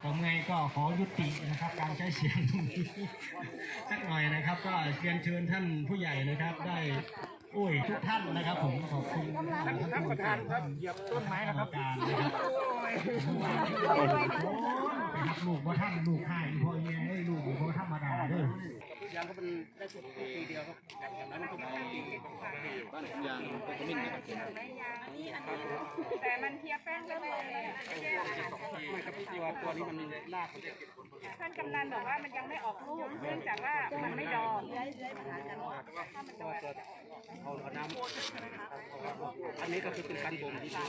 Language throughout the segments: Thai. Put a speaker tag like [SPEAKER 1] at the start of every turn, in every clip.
[SPEAKER 1] ผมไงก็ขอยุตินะครับการใช้เสียงตรงนี้สักหน่อยนะครับก็เรียนเชิญท่านผู้ใหญ่นะครับได้ทุกท่านนะครับผมขอบคุณท่านประธานครับเหยียบต้นไม้นะครับการนะครับลูกว่าท่านลูกให้พ่อแม่ลูกพ่อธรรมดาเด้อยางก็เป็นได้สุดปีเดียวครับอย่างนั้นก็บ้านยางก็ขมิ้นนะครับ
[SPEAKER 2] แต่มันเทียบแป้งก็เลย
[SPEAKER 1] ไม่ครับที่ว่าตัวนี้มันราก
[SPEAKER 2] ท่านกำนันบอกว่ามันยังไม่ออกลูกเนื่องจากว่ามันไม่ดอก
[SPEAKER 1] เอาน้ำอันนี้ก็คือเป็นการบ่มที่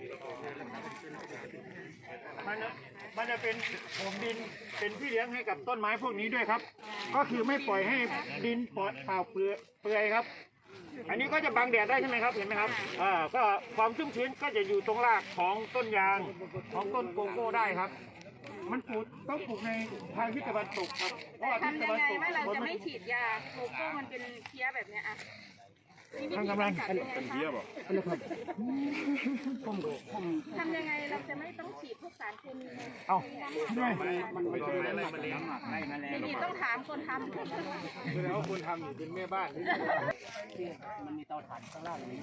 [SPEAKER 3] มันจะเป็นผมดินเป็นพี่เลี้ยงให้กับต้นไม้พวกนี้ด้วยครับ ก็คือไม่ปล่อยให้ดินเปล่าเปลือยครับ อันนี้ก็จะบังแดดได้ใช่ไหมครับเห็นไหมครับก็ความชุ่มชื้นก็จะอยู่ตรงรากของต้นยางของต้นโกโก้ได้ครับ มันต้องปลูกในทางทิศตะวันตกครับเพราะว่าทิศตะวันตก
[SPEAKER 2] ว่าเราจะไม่ฉีดยาโกโก้มันเป็นเพี้ยแบบนี้อ่ะ
[SPEAKER 3] ทางกำลังเป็นเพี้ยบอก
[SPEAKER 2] ทำยังไงเราจะไม่ต้องฉีดพวกสารเคมี
[SPEAKER 3] เอาด้วย
[SPEAKER 1] มันไม่ใช่อะไรมาเลี้ยงไล่มาแล้ว
[SPEAKER 2] นี่ต้องถามคนทำ
[SPEAKER 3] แล้วคนทำเป็นแม่บ้าน
[SPEAKER 1] มันมีเตาถ่านข้างล่างนี้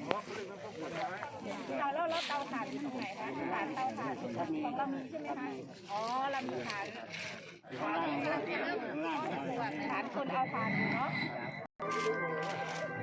[SPEAKER 2] แล้วเตาถ่านอยู่ตรงไหนคะฐานเตาถ่านของเรามีใช่ไหมคะอ๋อเรามีฐานฐานคนเอาถ่านเนาะ